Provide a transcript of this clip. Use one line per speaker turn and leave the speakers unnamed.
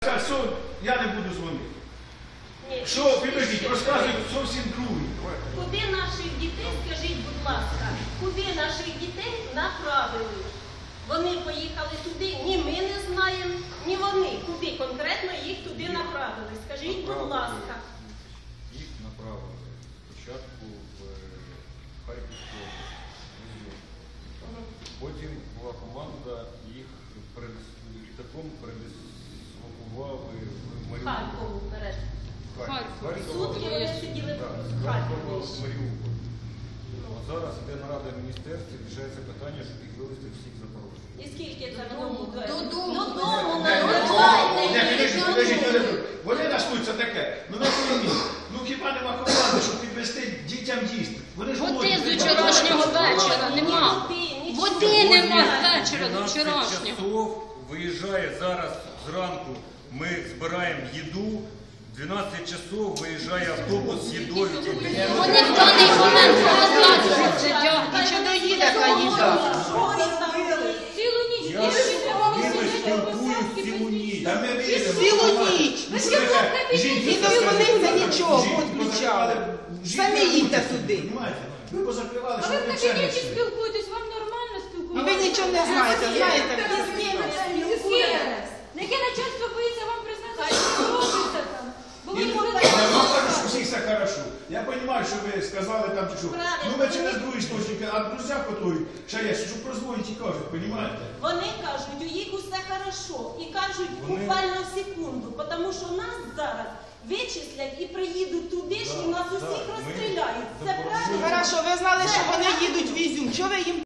Я не буду дзвонити.
Ні.
Що, підождіть, розказують зовсім друге.
Куди наших дітей, скажіть, будь ласка, куди наших дітей направили? Вони поїхали туди, ні ми не знаємо, ні вони. Куди конкретно їх туди направили? Скажіть, будь ласка.
Їх направили спочатку в Харківську область. Потім була команда, їх літаком передислокували в Маріуполь.
Харкову вперед. Сутки
Харкова
вони сиділи
в
в Харкові.
Маріуполь. Зараз йде нарада в міністерстві, рішається питання, щоб їх вивезти всіх в Запорожжя.
І скільки це буде?
Додому.
Підождіть. Вони наслуються таке. Ну на війні. Ну хіба нема команди, щоб підвести дітям їсти? Вони ж
Води
голодні.
з вчорашнього вечора нема. Води нема з вечора до
12
вчорашнього.
часов виїжджає зараз зранку, ми збираємо їду, 12 часов виїжджає автобус з їдою.
Вони в даний момент розказують сидять.
Нічого доїде та їда.
Цілу ніч.
Я з ними спілкуюсь цілу ніч.
Та ми віримо.
Цілу ніч. Не дозвониться нічого, відключали. Самі їдьте туди.
Ви позакривали,
А
що
ви в
ви це не
кабінеті
всі.
спілкуєтесь, вам нормально
І
спілкуватися?
ви нічого не знаєте, знаєте?
Яке начальство боїться вам признати, що ви робите там? Бо ви
Я
можете...
вам кажу, що всіх все хорошо. Я розумію, що ви сказали там, що ну ми через другий істочник, а друзі готують, ще є, що прозвонять і кажуть, розумієте?
Вони кажуть, у їх усе хорошо. І кажуть буквально в секунду, тому що нас зараз вичислять і приїдуть туди ж і нас усіх розстріляють. Це правильно?
Хорошо, ви знали, що вони їдуть в Ізюм. Чого ви їм